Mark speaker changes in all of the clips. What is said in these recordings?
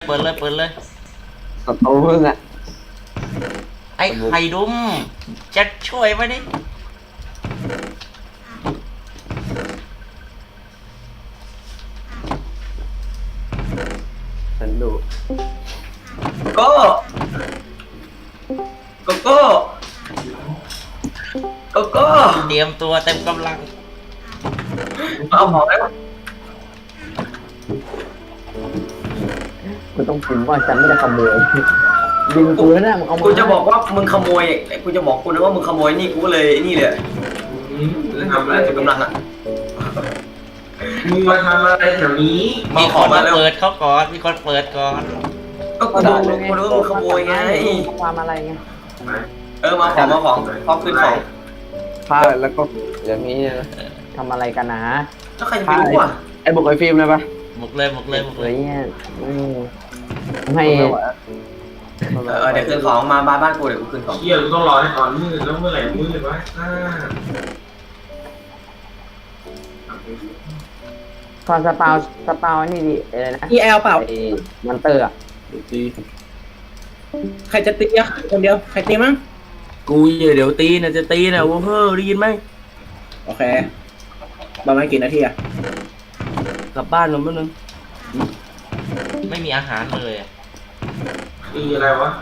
Speaker 1: เปิดเลยเปิดเลย
Speaker 2: ศัตรูมึงอ่ะ
Speaker 1: ไอ้ไข่ดุมจะช่วยไหมนี่
Speaker 2: ฉันดู
Speaker 3: โก้โกโก้โกโก้
Speaker 1: เตรียมตัวเต็มกำลัง
Speaker 3: เอาของแล้ว
Speaker 2: กูต้องพิมพ์ว่าฉันไม่ได้ขโมยดึงกูแล้วนะมึงเอามา
Speaker 3: กูจะบอกว่ามึงขโมยกูจะบอกกูนะว่ามึงขโมยนี่กูเลยนี่เลยเล่นกับอะไรกำลังอ่ะ
Speaker 4: มึงมาทำอะไรแถวนี้
Speaker 1: มีคนมาเปิดเขาก่อนมีคนเปิดก่อน
Speaker 3: ก็กูรู้ว่ามึงขโมยไง
Speaker 2: ความอะไรไง
Speaker 3: มาของพร้อมขึ้นของ
Speaker 2: ผ้าแล้วก็อย่างนี้นะทำอะไรกันนะ
Speaker 3: แล้วใครจะไปรู้อ่ะ
Speaker 2: ไอ้บุกไอ้ฟิล์มเลยปะ
Speaker 1: บุกเลยบุกเลยบุก
Speaker 2: อะ
Speaker 1: เล
Speaker 2: ไร
Speaker 1: ย
Speaker 2: เงี้ยให้
Speaker 3: เดี๋ยวขึ้นของมาบ้านกูเดี๋ยวกูขึ้นของ
Speaker 4: เที่ยวต้องรอให้ตอนมืดแล้วเมื่อไหร่มืดวะ
Speaker 2: ตอนสปาวนี่ดิอะไรนะ
Speaker 5: EL เปล่า
Speaker 2: ไอ้มันเตอร์อ่ะ
Speaker 5: ใครจะตีอ่ะคนเดียว ใครตีมั้ง
Speaker 6: กูเดี๋ยวตีนะจะตีนะว่าเฮ้อได้ยินไหม
Speaker 5: โอเคประมาณกี่นาทีอ่ะ
Speaker 6: กลับบ้านกันแป๊บนึง
Speaker 1: ไม่มีอาหารเลยอะ
Speaker 4: ตีอะไรวะ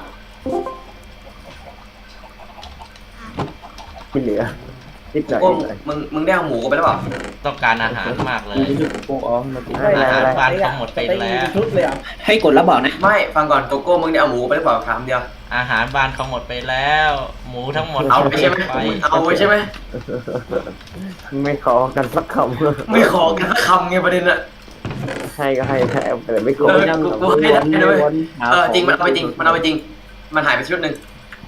Speaker 2: ไม่เหลือนิดหน่อย
Speaker 3: กูมึงได้เอาหมูกูไปแล้วเปล่า
Speaker 1: ต้องการอาหารมากเลย
Speaker 6: กูจะโป๊ะอ๋อมาตี
Speaker 1: อาหารบ้านเขาหมดไปแล้ว
Speaker 5: ชุดเลยอ่ะ ให้กดแล้วบอกนะ
Speaker 3: ไม่ฟังก่อนโกโก้มึงได้เอาหมูไปหรือเปล่าถามเดียว
Speaker 1: อาหารบ้านเขาหมดไปแล้ว หมูทั้งหมด
Speaker 3: เอาไปใช่ไหม
Speaker 1: ไป
Speaker 3: เอาไปใช่ไหม
Speaker 2: ไม่ขอกันสักคำ
Speaker 3: ไม่ขอกันสักคำไงประเด็นอะ
Speaker 2: ให้ก็ให้แต่ไม่ขอ
Speaker 3: กูให้ได้ด้วยจริงมันเอาไปจริงมันเอาไปจริงมันหายไปชุดหนึ่ง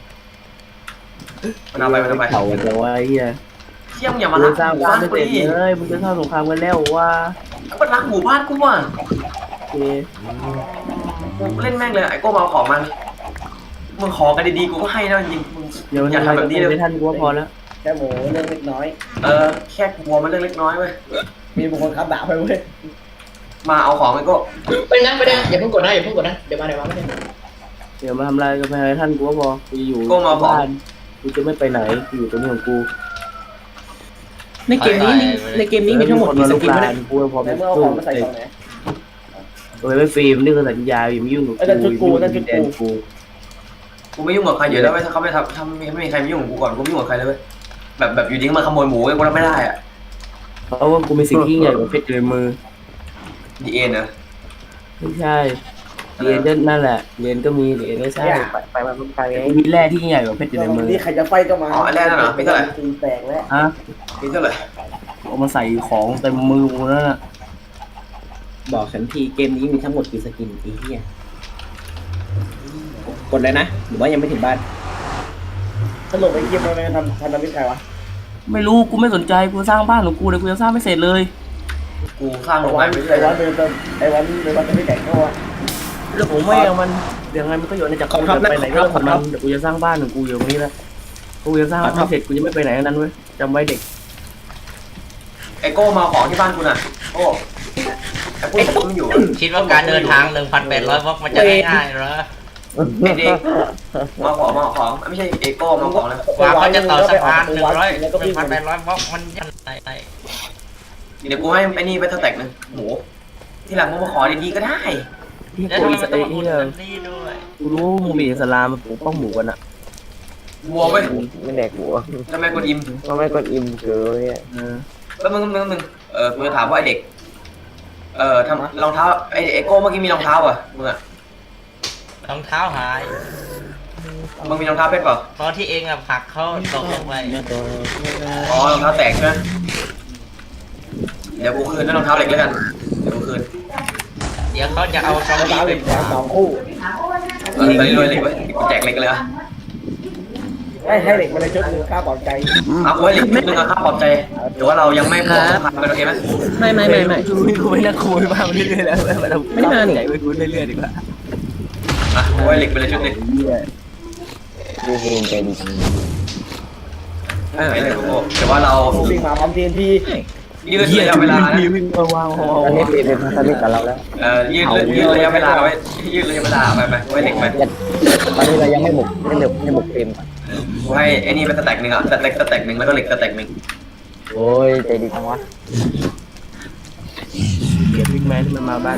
Speaker 3: มันเอาไป
Speaker 6: เขาจะว่าไอ้เหี้ย
Speaker 3: เที่ยมอย่ามา
Speaker 6: มึ
Speaker 3: รั
Speaker 6: ง
Speaker 3: ก
Speaker 6: สร้าง
Speaker 3: หมู่
Speaker 6: บ้า
Speaker 3: บ้าน น
Speaker 6: ไม่
Speaker 3: กู
Speaker 6: เสร็จ
Speaker 3: ดิ
Speaker 6: เลยมึงจะสร้างสงครามกันแล้วว่า
Speaker 3: ก็มันรักหมู่บ้านกูว่ะ
Speaker 6: โอเค
Speaker 3: กูเล่นแม่งเลยไอ้โก้มาเอาของมันมึงขอกันดีๆกูก็ให้นะจริงมึง
Speaker 6: เดี๋ยว
Speaker 3: อย่าทำแบบนี้เลย
Speaker 6: ไม่ทันกูว่าพอแล้ว
Speaker 5: แค่หมูเรื่องเล็กน้อย
Speaker 3: แค่กลัวมันเรื่องเล็กน้อยเว้ย
Speaker 5: มีบางคนขับด่าไปเว้ย
Speaker 3: มาเอาของไอ้โก้
Speaker 7: ไปนั่งไปนั่งอย่าเพิ่งกดนะอย่าเพิ่งกดนะเดี๋ยวมาไม่ได้
Speaker 6: เดี๋ยวมาทำอะไรก็ไปให้ท่านกูว่าพอกูอยู่
Speaker 3: โก้มาเอาของ
Speaker 6: บ้านกูจะไม่ไปไหนกูอยู่ตรงนี้ของกู
Speaker 5: ในเกมนี้มีทั้งหมดกี่สกิน
Speaker 6: วะ
Speaker 5: วะ
Speaker 6: เนี่
Speaker 5: เนี่ย ย
Speaker 6: กูพอ
Speaker 5: ใน
Speaker 6: เป็น
Speaker 5: เมื่อเอา
Speaker 6: สู้
Speaker 5: ของมาใส่กล่องไหน
Speaker 6: โดยไม่ฟิล์มนี่คือสัญญาอย่ามายุ่งกับ
Speaker 5: นั่นชุดกู
Speaker 6: อย่ามา
Speaker 5: นั่นชุดกู
Speaker 6: แดนกู
Speaker 3: กูไม่ยุ่งกับใครอยู่แล้วเว้ยถ้าเขาไม่ทำไม่มีใครมายุ่งกับกูก่อนกูไม่ยุ่งกับใครเลยเว้ยแบบอยู่ดีก็มาขโมยหมูกูรับไม่ได้อะ
Speaker 6: เพราะว่ากูมีสิ่งที่ยิ่งใหญ่กว่าเพชรอยู่ในมือ
Speaker 3: ดีเอ็นนะ
Speaker 6: ไม่ใช่เหรียญก็นั่นแหละเหรียญก็มีเหรียญไม่ใช่
Speaker 2: ไปมันไปไง
Speaker 6: มีแร่ที่ยิ่งใหญ่กว่าเพชรอยู่ในมือ
Speaker 5: นี่ใครจะไฟก็มา
Speaker 3: อ๋ออันแรกนั่นเหรอมีเท่าไหร่
Speaker 5: ตีแตกแล้ว
Speaker 6: ฮะ
Speaker 3: มีเท่าไหร่
Speaker 6: เอามาใส่ของเต็มมือกูนั่นน่ะ
Speaker 5: บอกฉันทีเกมนี้มีทั้งหมดกี่สกินอีเหี้ยกดเลยนะหรือว่ายังไม่ถึงบ้านสรุปไอ้เกมมันทำมิตรใครวะ
Speaker 6: ไม่รู้กูไม่สนใจกูสร้างบ้านของกูเลยกูยังสร้างไม่เสร็จเลย
Speaker 3: กูสร้างโรงงานไม่ใช่
Speaker 5: ไอ้วันเดินจะไม่แข่งเขาวะ
Speaker 6: แล้วผมไม่เอามันยังไงมันก็อยู่ในจักร
Speaker 5: ขอบคุณครับ
Speaker 6: ไปไหนก็
Speaker 5: ขอบคุณ
Speaker 6: มั
Speaker 5: ครับ
Speaker 6: นเดี๋ยวกูจะสร้างบ้านของกูอยู่ตรงนี้แหละกูยังสร้างบ้านไม่เสร็จกูจะไม่ไปไหนทั้งนั้นเว้ยจำไว้เด็ก
Speaker 3: ไอโก้มาของที่บ้านกูน่ะโอ้ไอพวกผมมันอยู่อะ
Speaker 1: คิดว่าการเดินทาง 1,800 วอกมันจะง่ายๆเหรอ
Speaker 3: ไอเด็กมาของไม่ใช่ไอโก้มาของเลย
Speaker 1: กว่าเขาจะต่อสะพาน1,800 วอกมันยังไง
Speaker 3: เดี๋ยวกูให้ไอ้นี่ไปเท่าแตกนึงหมูที่หลังมึงมาขอดีๆก็ได้
Speaker 6: ที่
Speaker 1: แล้ว
Speaker 6: กู
Speaker 1: ทำไม
Speaker 6: อิ
Speaker 1: มัน
Speaker 6: ส
Speaker 1: ต้อง
Speaker 6: รา
Speaker 1: มา
Speaker 6: เอ
Speaker 1: พูด
Speaker 6: ล
Speaker 1: แบบนี้ด้วย
Speaker 6: กูรู้ว่ามึงมีอิสลามมาปกป้องหมูกันอะ
Speaker 3: วัวเว้ย
Speaker 2: ไม่แดกหัว
Speaker 3: ทำไมกูอิ่ม
Speaker 2: ก็ไม่กดอิ่มเกลือเนี่ย
Speaker 6: เออ
Speaker 3: แล้วมึงกูจะถามว่าไอเด็กทำรองเท้าไอโก้เมื่อกี้มีรองเท้าอ่ะมึงอ่ะ
Speaker 1: รองเท้าหาย
Speaker 3: มึงมีรองเท้าเพชรเปล่า
Speaker 1: เพราะที่เองอะผลักเขาตกลงไป
Speaker 3: อ๋อรองเท้าแตกใช่ไหมเดี๋ยวกูคืนด้วยรองเท้าเหล็กแล้วกันเดี๋ยวกูคืน
Speaker 1: เดี๋ยวเขาจะเอาซอมบี้
Speaker 5: ตา
Speaker 1: ไป
Speaker 5: เป็น
Speaker 1: ปราบ
Speaker 5: สองคู่
Speaker 3: ตอนนี้รวยเหล็กไว้กูแจกเหล็กเลยอ่ะ
Speaker 5: ให้เหล็กมาในชุดหนึ่งค่าปลอบใจ
Speaker 3: เอาไว้เหล็กนิดนึงอะค่าปลอบใจเดี๋ยวว่าเรายังไม่พอสะพานกันโอเคไหม
Speaker 5: ไม่
Speaker 6: กูไม่น่าคุยมากเรื่อยๆแล้วไม่ได้มาหนิไปกูเรื่อยๆดีกว่า
Speaker 3: เอาไว้เหล็กไปเลยชุดหนึง
Speaker 2: ดูเฮนใจดีจัง
Speaker 3: ไม่เลยโก้แต่ว่าเรา
Speaker 5: วิ่งมาพร้อม TNT
Speaker 3: ยืดระยะเวลานะ
Speaker 6: วิ่งมาวาง
Speaker 2: ตอนนี้ปีเป็นพันธมิตรกับเราแล้ว
Speaker 3: ยืดระยะเวลาไว้ยืดระยะเวลาไปไว้เหล็กไป
Speaker 2: ตอนนี้เรายังไม่บุกทีม
Speaker 3: กูให้ไอ้นี่เป็นสแต็กหนึ่งอ่ะสแต็กหนึ่งแล้วก็เหล็กสแต็กหนึ่ง
Speaker 2: โอ้ยใจดีจังวะ
Speaker 6: เก็บวิ่งแมนที่มันมาบ้าน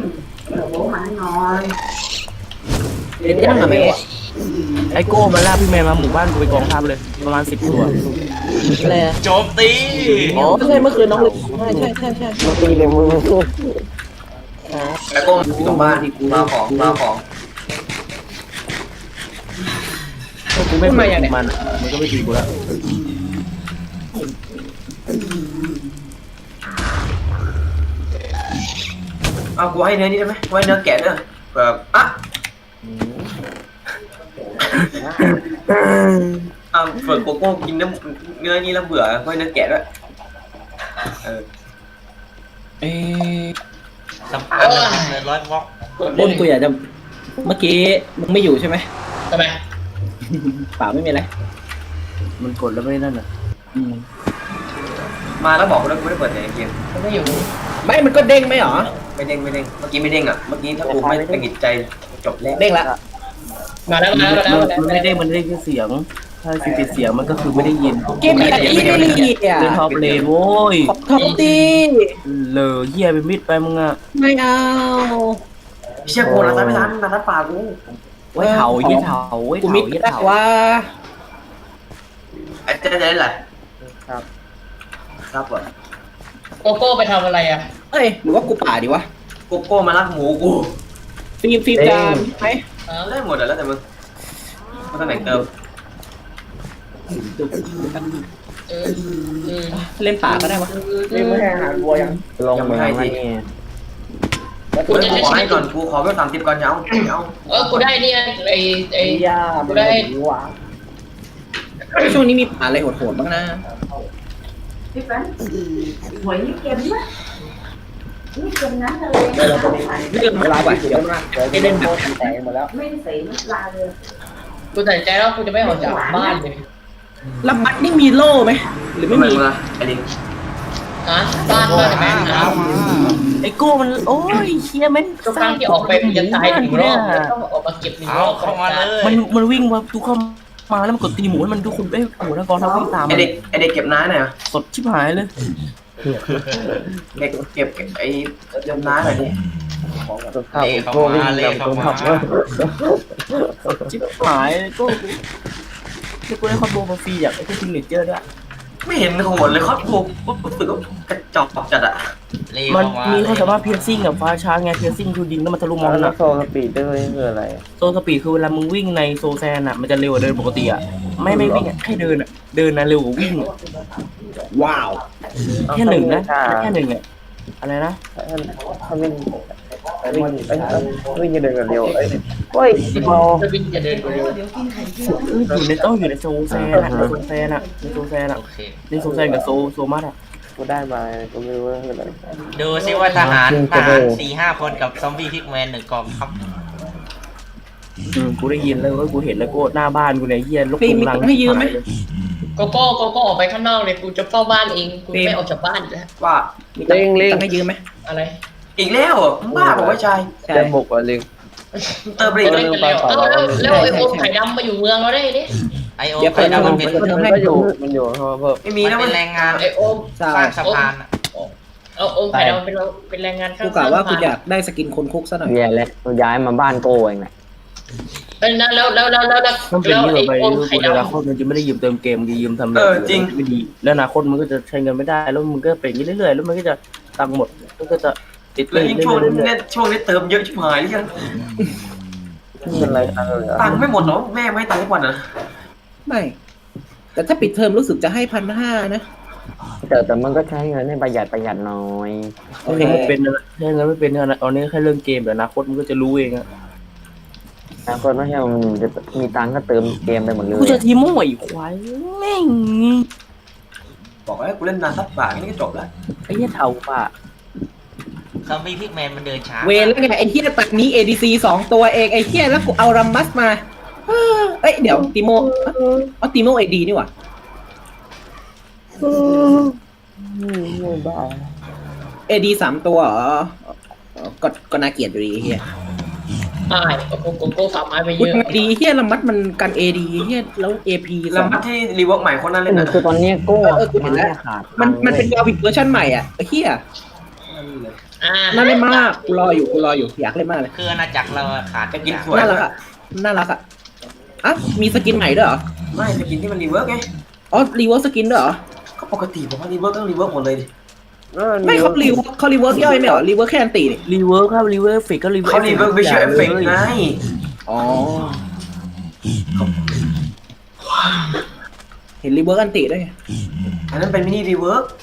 Speaker 5: เล่นยังไงไม่วะ
Speaker 6: ไอโก้มาล่าพี่แมนมาหมู่บ้านกูไปกองทัพเลยประมาณ10 ตัว
Speaker 5: อะไรอะ
Speaker 1: โจมตี
Speaker 5: อ๋อใช่เมื่อคืนน้องเลยใช่
Speaker 2: มาตีเลยมึงสู้
Speaker 3: แล้วก็ตรงบ้านมาของ
Speaker 6: กูไม่มาอย่างมันมันก็ไม่ตีกูแล้ว
Speaker 3: เอากูให้เนื้อนี่ได้ไหมกูให้เนื้อแกะด้วยแบบอ่ะเฟิร์สโกโก้กินเนื้อนี่แล้วเบื่อกูให้เนื้อแกะด้วย
Speaker 1: สำคัญเลยร้อยบล็อก
Speaker 5: ต้นกูอยากจะเมื่อกี้มึงไม่อยู่ใช่ไหม
Speaker 7: ทำไม
Speaker 5: เปล่าไม่มีอะไร
Speaker 6: มันกดแล้วไม่นั่นอ่ะ
Speaker 3: มาแล้วบอกกูแล้วกูไม่ได้เปิดในเกม
Speaker 7: ไม่อยู่
Speaker 5: ไม่มันก็เด้งไหมหรอ
Speaker 3: ไม่เด้งเมื่อกี้ไม่เด้งอ่ะเมื่อกี้ถ้ากูไม่ตังหิดใจจบแล้ว
Speaker 5: เด้งละ
Speaker 7: มาแล้ว
Speaker 6: มันไม่ได้มันได้แค่เสียงถ้าคือปิดเสียงมันก็คือไม่ได้ยิน
Speaker 5: เกมมีอะไรอีลี่อ่ะ
Speaker 6: เล่นท็อปเลนโว้ย
Speaker 5: ท็อปตี
Speaker 6: เลอเหี้ยไปมิดไปมึงอ่ะ
Speaker 5: ไม่เอา
Speaker 3: เชี่ยกูนะไม่ทันป่ากู
Speaker 6: ไว้เถายี่เถาไว้
Speaker 5: กู
Speaker 6: เถา
Speaker 5: มิด
Speaker 6: ยี่
Speaker 5: ได้
Speaker 6: เถา
Speaker 5: ว่า
Speaker 3: ไอ้เจ๊ได้ไรครับวะ
Speaker 7: โกโก้ไปทำอะไรอ่ะ
Speaker 5: เอ้ยหรือว่ากูป่าดีวะ
Speaker 3: โกโก้มาลักหมูกู
Speaker 5: ฟิล์มจามไหม
Speaker 3: ได้หมดแล้วแต่มึงมาตำแหน่งเติม
Speaker 5: เล่นป่าก็ได้วะเล่นไม่ให้อาหารวัวยัง
Speaker 2: ลงมือมานี่
Speaker 3: กูขอให้ก่อนกูขอไป30ก่อนเอา
Speaker 7: กูได้เนี่ยไอ้
Speaker 5: ยา
Speaker 7: กูได้
Speaker 5: ช่วงนี้มีป่าอะไรโหดๆบ้างนะ
Speaker 8: พี่ฝันหวยนี่เก็บมั้ยนี่เก็บนั้นเลย
Speaker 5: เรื่องเวลาว่ะเดี๋ยวให้เล่นแบบแตกหมดแล้ว
Speaker 8: ไม่ได้ใส่น้ำปลาเลย
Speaker 7: กูตัดใจแล้วกูจะไม่ออกจากบ้านเลย
Speaker 5: ลำบัดนี่มีโล่ไหมหรือไม่มี
Speaker 3: ไอ้ลิง
Speaker 7: ฮะบ้านบ้านแม่นะ
Speaker 6: ไอโก้มันโอ้ยเชี่ยแม่ง
Speaker 7: ทุกครั้งที่ออกไปกูจะตายหนึ่งรอบต้องออกมาเก็บหนึ่ง
Speaker 1: เอา
Speaker 7: รอบ
Speaker 1: เข้ามาเลย
Speaker 6: มันวิ่งมาทุกเข้ามาแล้วมันกดตีหมูมันทุกคนเอ้ยหมูนักกองทัพวิ่งตาม
Speaker 3: ไอเด็กเก็บน้าหน่อย
Speaker 6: สดชิบหายเลย
Speaker 3: เด็กเก็บไอ้เก็บน้าหน่อยดิ
Speaker 2: ข้าวโควิ่งนำตัวขับ
Speaker 6: ชิบหายเลยโก้กูได้คอมโบมาฟรีจากไอ้พวกซิงเนเจอร์ด้วย
Speaker 3: ไม่เห็นโหดเลยครับกูรู้สึกว่ากระจอกจัดอ่ะ
Speaker 6: มันมีความสามารถเพียร์ซิ่งกับฟ้าช้าไงเพียร์ซิ่งคือยิงแล้วมันทะลุมอง
Speaker 2: แล้
Speaker 6: นะ
Speaker 2: วโซลสปีดด้วยคืออะไร
Speaker 6: โซสปีดคือเวลามึงวิ่งในโซแซนอ่ะมันจะเร็วกว่าเดินปกติอ่ะไม่วิ่งแค่เดินอ่ะเดินนะเร็วกว่าวิ่ง
Speaker 5: ว้าว
Speaker 6: แค่หนึ่งนะแค่หนึ่งอ่ะอะไรนะ
Speaker 2: ถ้าวิ่งจะเดินกันเร็วเฮ้ยพอ
Speaker 7: จะวิ่งจะเดินเร็ว
Speaker 6: อยู่ในต้องอยู่ในโซแซนอ่ะในโซแซนอ่ะในโซแซนอ่ะ
Speaker 1: โอเค
Speaker 6: ในโซแซนกับโซมัสอ่ะ
Speaker 2: กูได้มากูไม่รู้ว่าคืออะไร
Speaker 1: ดูซิว่าทหาร4-5 คนกับซอมบี้พิกแมน1 กองครับ
Speaker 6: กูได้ยินแล้วก็กูเห็นแล้วกูหน้าบ้านกูเนี่ยเฮียลูก
Speaker 5: ฟิล์มมี
Speaker 6: ลัง
Speaker 5: ให้ยืมไหม
Speaker 7: โกโก้ออกไปข้างนอกเลยกูจะเฝ้าบ้านเองกูไม่ออกจากบ้านแล้ว
Speaker 3: ว่า
Speaker 5: มีตังค์ให้ยืมไหม
Speaker 7: อะไร
Speaker 3: อีกแล้วมึงบ้าบอกว่าชาย
Speaker 5: ใช่
Speaker 2: จะบุกอะไร
Speaker 3: เติมไปอี
Speaker 7: ก็
Speaker 3: ก
Speaker 7: เล่นกันแล้วแล้วไอ้โอมไข่ดำมาอยู่เมืองเราได้ดิ
Speaker 1: ไอโอไข่ดำมันเป็น
Speaker 2: มันก็อยู่มันอยู่เพราะว่าเพิ่ม
Speaker 3: ไม่มี
Speaker 1: มัน
Speaker 3: นะ
Speaker 1: เป็นแรงงาน
Speaker 7: ไอ้โอม
Speaker 5: ใช่
Speaker 1: สร้างสะพานอะ
Speaker 7: เอาโอมไข่ดำเป็นแรงงานข้าง
Speaker 5: กูกะว่ากูอยากได้สกินคนคุกซะหน่อย
Speaker 2: แย่แล้วกูย้ายมาบ้านโกเองแหละ
Speaker 7: เป็นนั้นแล้ว
Speaker 6: มันเป็นนี่
Speaker 7: ไอ้
Speaker 6: ไป
Speaker 7: โอม
Speaker 6: กู
Speaker 7: ไข่
Speaker 6: ในอนา
Speaker 7: ดำ
Speaker 6: คตมันจะไม่ได้ยืมเติมเกมจะยืมทำไม่ดีแล้วอนาคตมันก็จะใช้เงินไม่ได้แล้วมันก็เป็นเรื่อยๆแล้วมันก็จะตังหมดมันก็จะติด
Speaker 3: แล้ว
Speaker 6: เรื่
Speaker 3: ยิ่งช่วง
Speaker 6: อยๆ
Speaker 3: นี้ช่วงนี้เติมเยอะชิบหายเลยยัง
Speaker 2: เป็นไรกันเลย
Speaker 3: ตังค์ไม่หมดหรอแม่ไม่ให้ตังค์ทุกวันนะ
Speaker 5: ไม่ แต่ถ้าปิดเทอมรู้สึกจะให้1,500นะ
Speaker 2: แต่มันก็ใช้เงินให้ประหยัดน้อย
Speaker 5: โอเค
Speaker 6: ไม่เป็นนะใช้เงินไม่เป็นนะตอนนี้แค่เรื่องเกมแต่อนาคตมันก็จะรู้เองอะ
Speaker 2: แล้วก็ไม่ใช่มันจะมีตังก็เติมเกมไปหมดเลย
Speaker 6: กูจะทีโม่อีกควายแม่ง
Speaker 3: บอกว่ากูเล่นนานสักบาทนี่ก็จบแล้ว
Speaker 6: ไอ้เหี้ยเท่าป่ะ
Speaker 1: ซอมบี้พิกแมนมันเดินช้า
Speaker 5: เวรแล้วไงไอ้เฮียตัดนี้ ADC 2 ตัวเองไอ้เฮียแล้วกูเอารัมมัสมาเอ้ยเดี๋ยวติโมเอาติโม AD นี่หว่า
Speaker 2: บ้า
Speaker 5: AD 3 ตัวเหรอก็น่าเกลียดอยู่ดีเฮีย
Speaker 7: ตายโกโก้ฝากไม้ไปเย
Speaker 5: พูด
Speaker 7: อะ
Speaker 5: ไงดีเฮียละมัดมันกัน AD เฮียแล้ว AP
Speaker 3: แล้วมัดที่รีเวิร์กใหม่คนนั้นเล่นนะ
Speaker 2: คือตอนนี้โก้
Speaker 5: กูเห็นแล้ว
Speaker 2: ขาด
Speaker 5: มันเป็นวาวิกเวอร์ชันใหม่อ่ะเฮีย น่าเล่นมากกูรออยู่อยากเล่นมากเลย
Speaker 1: คืออาณาจักรเราขาด
Speaker 3: จะกิน
Speaker 1: ทุ
Speaker 3: สวย
Speaker 5: น่ารักอ่ะอ่ะมีสกินใหม่ด้วยเหรอ
Speaker 3: ไม่จะกินที่มันรีเวิร์กไง
Speaker 5: อ๋อรีเวิร์สสกินด้วยเหรอ
Speaker 3: ก็ปกติผมว่ารีเวิร์กต้องรีเวิร์กหมดเลยดิ
Speaker 5: ไม่เขารีเวิร์สย่อยไม่เหรอรีเวิร์สแค่อันตีนี่
Speaker 6: รีเวิร์คครับรีเวิร์คฟิกก็รีเวิร์ค
Speaker 3: เขารีเวิร์กวิชวลเอฟเฟกต์ไง
Speaker 5: อ๋อเห็นรีเวิร์สอันตีด้วยไง
Speaker 3: อันนั้นเป็นมินิรีเวิร์ก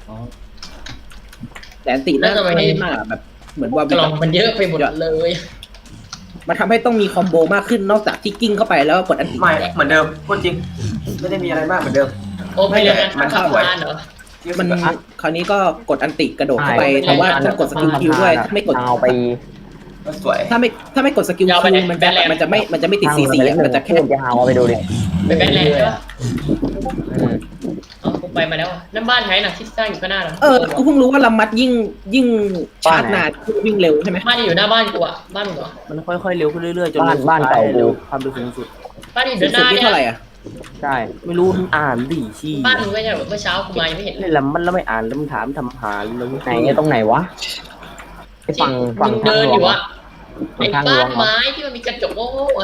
Speaker 5: แต่อันตีน่าจะไม่มากอะแบบเหมือนวาวิ
Speaker 7: ก
Speaker 5: ก
Speaker 7: ล่องมันเยอะไปหมดเลย
Speaker 5: มันทำให้ต้องมีคอมโบมากขึ้นนอกจากที่กิ้งเข้าไปแล้วกดอันตี
Speaker 3: ไม่เหมือนเดิมพูดจริง ไม่ได้มีอะไรมากเหมือนเดิม
Speaker 7: โอ้ไปเรียนกันทำบ้านเหรอ
Speaker 5: มันคราวนี้ก็กดอันติกระโดดเข้าไปแต่ว่าต้องกดสกิลคิวด้วยถ้าไม่กด
Speaker 2: เอาไป
Speaker 3: ก็สวย
Speaker 5: ถ้าไม่กดสกิลคิวมันจะไม่ติดCCอ่ะมันจะแค่
Speaker 2: จะเอาไปดูดิ
Speaker 7: ไปแบงค์แลนด์ใช่ปะอ๋อกูไปมาแล้วนั่นบ้านใครน่ะที่สร้างอยู่ข้างหน้าเหรอ
Speaker 5: กูเพิ่งรู้ว่าลำมัดยิ่งชาร์จนานวิ่งเร็วใช่ไหม
Speaker 7: บ้านอยู่หน้าบ้านกูอ่ะบ้านมึงเหรอ
Speaker 6: มันค่อยๆเร็วขึ้นเรื่อยๆจน
Speaker 2: บ้านเก่ากู
Speaker 6: ความเร็วสูงสุด
Speaker 7: บ้านอยู่
Speaker 5: สู
Speaker 7: ด้าง นห
Speaker 5: สุด
Speaker 7: น้า
Speaker 5: นี่
Speaker 7: เนี่ย
Speaker 5: เท่าไหร่อ่ะ
Speaker 2: ใช่
Speaker 6: ไม่รู้อ่านดิชี้
Speaker 7: บ้านมึงไม่ใช่เหรอเมื่อเช้ากูมายังไม่เห็นเลย
Speaker 6: เล่นแล้วมันแล้วไม่อ่านแล้วมันถามทำหาแล้ว
Speaker 2: ไหนตรงไหนวะไอ้ฝั่ง
Speaker 7: มึงเดินอยู่
Speaker 2: วะ
Speaker 7: อะไอ้บ้านไม้ที่มันมีกระจกโง่ๆอะ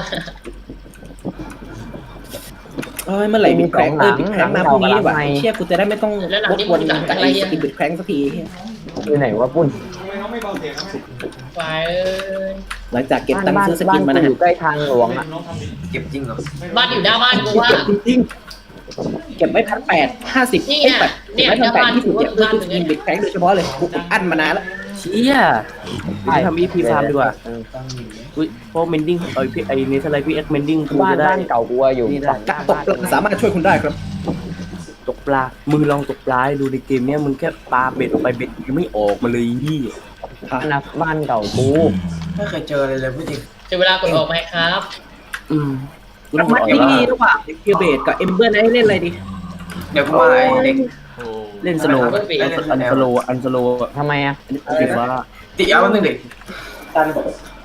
Speaker 5: เมื่อไหร่บิดแคร้งบิดแคร้งมาพรุ่งนี้ดีกว่าเชี่ยกูจะได้ไม่ต้องวกวนกับไอ้สกินบิดแคร้งสักที
Speaker 2: อยู่ไหนวะปุ้น
Speaker 7: ไฟเอ้ย
Speaker 5: หลังจากเก็บตังค์ซื้อสกินมานะ
Speaker 2: อ
Speaker 5: ฮะ
Speaker 2: ยู่ใกล้ทางหลวงอ่ะ
Speaker 3: เก็บจริงเหรอ
Speaker 7: บ้านอยู่หน้าบ้านกูว่า
Speaker 5: เก็บไว้1,850
Speaker 7: นี่ไง
Speaker 5: เก็บไว้1,820เนี่ยเพื่อสกินบิดแคร้งโดยเฉพาะเลยกูอั้นมานานแล้ว
Speaker 6: เชี่ยเดี๋ยวทำ EP ฟาร์มดีกว่าอุ้ยพวกเมนดิ้งไอ้นี่อะไรพี่เอ็กเมนดิ้งกู
Speaker 2: บ้าน
Speaker 6: จะได้
Speaker 2: บ้านเก่ากูอยู่
Speaker 6: นี่ได้
Speaker 5: การตกปลาสามารถช่วยคุณได้ครับ
Speaker 6: ตกปลามึงลองตกปลาให้ดูในเกมเนี้ยมึงแค่ปลาเบ็ดออกไปเบ็ดยังไม่ออกมาเลยนี่
Speaker 2: นะบ้านเก่ากู
Speaker 3: ไม่เคยเจออะไรเลยพูดจริง
Speaker 7: จะเวลากดออกไหมครับ
Speaker 6: กู
Speaker 5: แล้
Speaker 6: ต้
Speaker 5: ว
Speaker 6: อง
Speaker 5: มัด
Speaker 6: บอก
Speaker 5: ที่
Speaker 6: ว่า
Speaker 5: นี่ระหว่างเคียเบดกับเอมเบอร์ไนท์เล่นอะไรดี
Speaker 3: เดี๋ยวกูมาไอ้เด็ก
Speaker 1: โอ้
Speaker 6: เล่นสโลว์อันสโลว์
Speaker 2: ทำไมอ่ะ
Speaker 6: ติดว่า
Speaker 3: ติเอาแป๊บนึงเด็กตัน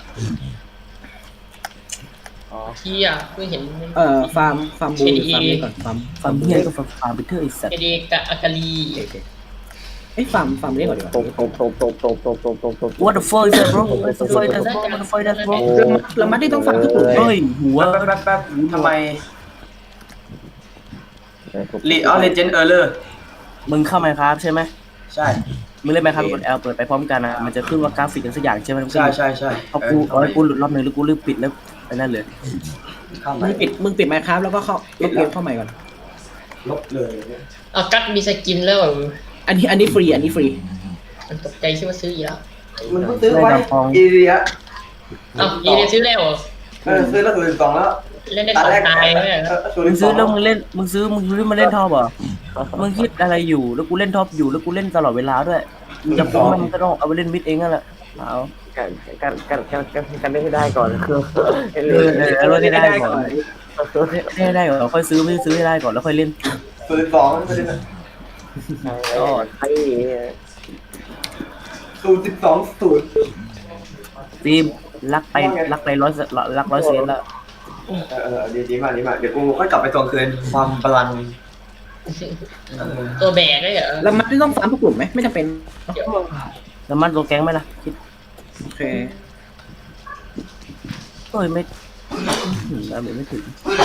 Speaker 7: เที่ยเพิ่งเห็น
Speaker 5: ฟาร์มบูฟาร์มนี้ก่อนฟาร์ม
Speaker 6: ฟาร์มเฮียก็ฟาร์มไปเถอะไอ้สัตว์
Speaker 7: เอเดกะอากาลี
Speaker 5: ฟาร์มนี้ก่อนดีกว่า
Speaker 2: ตบ
Speaker 6: What the fuck is that bro What the fuck is that bro What the fuck is that bro
Speaker 5: แล้วมัดที่ต้องฟาร์มทุกกลุ่ม
Speaker 6: เฮ้ยหัว
Speaker 3: แป๊บทำไมเลเจนด์เออร์เลอร์
Speaker 6: มึงเข้าไหมครับใช่ไหม
Speaker 3: ใช่
Speaker 6: มึงเล่นไหมครับกด L เปิดไปพร้อมกันนะมันจะขึ้นว่ากราฟิกกันสักอย่างใช่ไหม
Speaker 3: ใช่
Speaker 6: พอกูเอาให้กูหลุดรอบนึงแล้วกูลืมปิดแล้วไปนั่นเลย
Speaker 3: เข้าไป
Speaker 5: มึงปิดไมค์ครับแล้วก็เข้าลบเกมเข้าใหม่ก่อน
Speaker 3: ลบเลย
Speaker 7: อ่ะกัดมีสกินแล้ว
Speaker 5: อันนี้ฟรี
Speaker 7: มันตกใจคิดว่าซื้ออีกแล้ว
Speaker 3: มันเพิ่งซื้อไว้อีเรีย
Speaker 7: อ้าวยีเดซื้อแล้วเหรอ
Speaker 3: ซื้อแล้วคือ2แล้ว
Speaker 7: เล่นได้2ตายไหม
Speaker 6: มึงซื้อแล้วมึงซื้อมาเล่นท็อปเหรอมึงคิดอะไรอยู่แล้วกูเล่นท็อปอยู่แล้วกูเล่นตลอดเวลาด้วยมึงจะฟ้องมึงก็ต้องเอาไปเล่นมิดเองนั่นแหละเอา
Speaker 2: กันได้ให้ได้ก่อน
Speaker 6: แล้วได้ได้ก่อนได้ก่อนค่อยซื้อไม่ซื้อให้ได้ก่อนแล้วค่อยเล่น
Speaker 3: ซื้อ2ไม่ได้นะ
Speaker 6: ก็
Speaker 2: ไอ้
Speaker 3: 0.12
Speaker 6: ฟิล์มรักไปร้อยเซนแล้ว
Speaker 3: ดีมากเดี๋ยวกูค่อยกลับไปทวงคืนความพลัง
Speaker 7: ตัวแบกได้เหรอ
Speaker 5: แล้วมัดที่ต้องฟาร์มทุกกลุ่มไหมไม่จำเป็น
Speaker 6: แล้วมันตัวแก๊งไหมล่ะคิด
Speaker 5: โอเค
Speaker 6: โอ้ยไม่แล้วไม่ถึง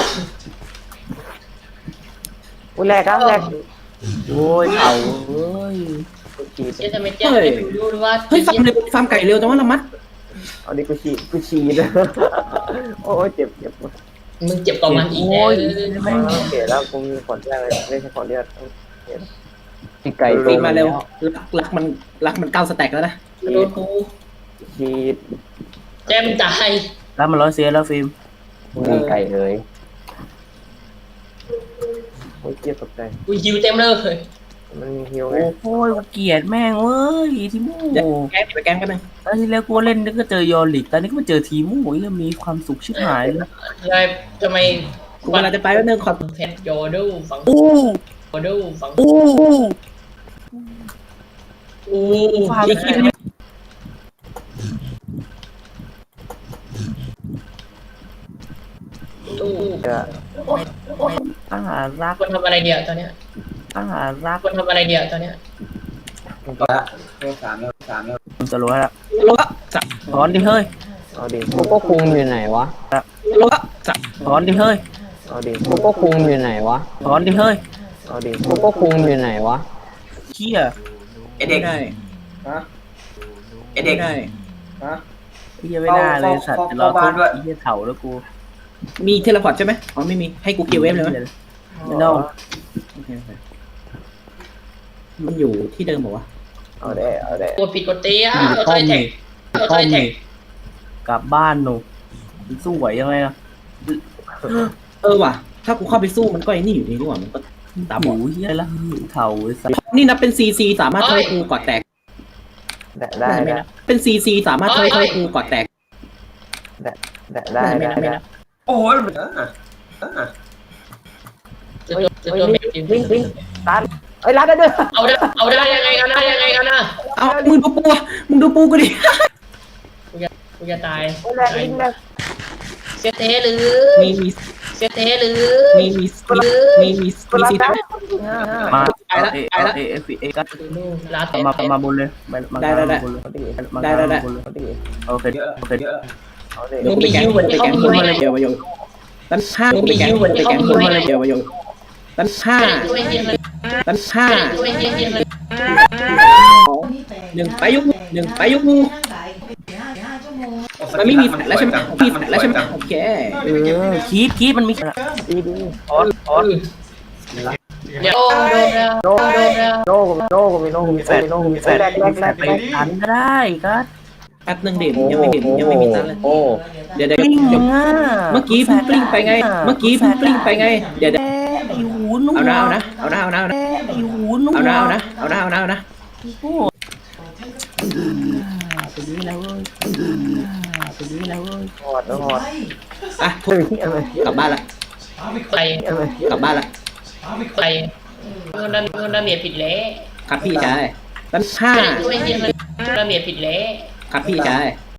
Speaker 2: แรก
Speaker 6: โอ้ยเอาเอ้ย
Speaker 7: เชื่อทำไมเจ๊ไม่รู้ว่า
Speaker 5: เฮ้ยฟาร์มไก่เร็วจังว่าละมัด
Speaker 2: เอาดิกูฉีดโอ้ยเจ็บ
Speaker 7: มึงเจ็บกว่ามันอีกแล้ว
Speaker 2: ไม่เสียแล้วกูมีขอดแรกเลยไม่ใช่ขอดเลือดตีไก่
Speaker 5: ฟีมาเร็วรักมัน9สแต็กแล้วนะ
Speaker 7: โดนกู
Speaker 2: ฉีด
Speaker 7: แจ้มึงตาย
Speaker 6: แล้วมัน100 เซนแล้วฟิล์ม
Speaker 2: มีไก่เลยโอ้ยเจ็บตกใจ
Speaker 7: กูฮิวเต็มเลย
Speaker 2: มันมีฮิวไง
Speaker 6: โอ้ยเกลียดแม่งเว้ยทีมู
Speaker 5: ไปแกล้งกันนึง
Speaker 6: ตอนที่แล้วกูเล่นก็เจอยอริกตอนนี้ก็มาเจอทีมูเริ่มมีความสุขชิบหายเลย
Speaker 7: ยายทำไม
Speaker 5: กูเวลาจะไปแป๊บนึงขอ
Speaker 7: เพชรโยดูฝัง
Speaker 6: โอ้
Speaker 7: โยดูฝัง
Speaker 6: โอ้ฟาร์ม
Speaker 5: ไอ้เหี้ย
Speaker 7: ตู้
Speaker 2: เดี๋ยว
Speaker 6: อาหารรัก
Speaker 7: ควรทำอะไรเดียวตอนเนี้ย
Speaker 6: อาหารรัก
Speaker 7: ควรทำอะไรเดียวตอนเนี้ย
Speaker 6: มึงจะรู้แล้วถอนดิเฮ้ย
Speaker 2: เอาดิ
Speaker 9: โกโก้คุงอยู่ไหนวะ
Speaker 6: ถอนดิเฮ้ย
Speaker 2: เอาดิ
Speaker 9: โกโก้คุงอยู่ไหนวะ
Speaker 6: ถอนดิเฮ้ย
Speaker 2: เอาดิ
Speaker 9: โกโก้คุงอยู่ไหนวะ
Speaker 6: เหี้ย
Speaker 3: ไอเด็ก
Speaker 5: ได้
Speaker 3: ไอเด็ก
Speaker 5: ได้
Speaker 6: เหี้ยไม่ได้เลยสัตว์จะรอ
Speaker 3: เข้าบ้านด้วย
Speaker 6: เหี้ยเถาแล้วกู
Speaker 5: มีเทเลพอร์ตใช่ไหมอ๋อไม่มีให้กูเกียร์เวฟเลยไหม
Speaker 6: ไม่ต้อง
Speaker 5: โอเคมันอยู่ที่เดิมเหรอวะ
Speaker 2: เอาได้เอาได้
Speaker 7: กดผิดกดเตี้ย
Speaker 6: อยู่
Speaker 7: เรา
Speaker 6: ต้
Speaker 7: ต้อ
Speaker 6: อง
Speaker 7: งแท็ก
Speaker 6: นี่
Speaker 7: เรา
Speaker 6: ต้
Speaker 7: ต้
Speaker 6: อ
Speaker 7: อง งแท็
Speaker 6: นี่
Speaker 7: ก
Speaker 6: กลับบ้านหนูสู้ไหวยังไงล่ะ
Speaker 5: ว่ะ ถ้ากูเข้าไปสู้มันก็ไอ้นี่อยู่ดีนี่หว่ามันก็ตาบ
Speaker 6: ห
Speaker 5: อ
Speaker 6: มู
Speaker 5: ด
Speaker 6: เหี้ยละเถาไอ้สัตว์
Speaker 5: นี่นับเป็นซีซีสามารถทำให้กูกอดแตก
Speaker 2: ได้
Speaker 5: ไม่
Speaker 2: ได้
Speaker 5: นับเป็นซีซีสามารถทำให้กูกอดแตก
Speaker 2: ได้
Speaker 5: ไม่
Speaker 2: ได้
Speaker 5: นับไม่
Speaker 2: ได้
Speaker 5: นับ
Speaker 3: โอ้ย
Speaker 7: จะตัวเมจริง
Speaker 2: วิ่งวิ่งตันเอ้ยรัดได้ด้วย
Speaker 7: เอาได้ยังไงกันนะยังไงกันนะ
Speaker 5: เอามึงดูปูมึงดูปูกูดิ
Speaker 7: กูจะตาย
Speaker 2: แรกวิ่งแรก
Speaker 7: เสียเทหรือ
Speaker 5: มี
Speaker 7: เสียเทหรือ
Speaker 5: มีซีได้
Speaker 6: มา
Speaker 5: ไปละไปละ
Speaker 6: เอกัส
Speaker 7: ลาเท
Speaker 6: มาบนเลยมา
Speaker 5: ได้ได้ได้
Speaker 6: บนเลย
Speaker 5: ได้ได้ได้
Speaker 6: บนเลย
Speaker 2: เอาดิ
Speaker 6: โอเคโอเค
Speaker 2: เอาดิ
Speaker 5: เดี๋ยวกูไปแกงไปแกงคนมาเลยเดี๋ยวมาโยตั้งห้ากูไปแกงคนมาเลยเดี๋ยวมาโยตั้งห้า
Speaker 7: ช่วยเฮียเลย
Speaker 5: ตั้งห้า
Speaker 7: ช่วยเฮียเลย
Speaker 5: หนึ่งไปยุกหนึ่งไปยุกงูมันไม่มีแฟลชแล้วใช่ไหมมีแฟลชแล้วใช่ไหมโอเค
Speaker 6: คีบมันมี
Speaker 2: ดีดี
Speaker 7: เดี๋ยวโดนแล้ว
Speaker 2: โน่กูมีโน่กูมีแฟนแรก
Speaker 6: ไปทันก็ได้กัส
Speaker 5: แป๊บนึงเดี๋ยวยังไม่มีตังค์เลย
Speaker 2: โอ้
Speaker 5: เดี๋ยว
Speaker 6: กลิ้ง
Speaker 5: เมื่อกี้เพิ่งกลิ้งไปไง เมื่อกี้เพิ่งกลิ้งไปไงเดี๋ยว
Speaker 6: ไอ้หูหนู
Speaker 5: เอานะ
Speaker 6: ไอ้หูหนู
Speaker 5: เอานะ
Speaker 6: ไปนี้แล้วเว้ยไปนี้แล้วเว้ย
Speaker 2: หอดหอด
Speaker 5: อ่ะ
Speaker 2: เฮ้ยอะไร
Speaker 5: กลับบ้านละ
Speaker 7: ไป
Speaker 2: อะไร
Speaker 5: กลับบ้านละ
Speaker 7: ไปเงินดาเมียผิดแล้ว
Speaker 5: ครับพี่ชายตั้งห้า
Speaker 7: ช่วยเฮียเลยดาเมียผิดแล้ว
Speaker 5: ครับพี่ชาย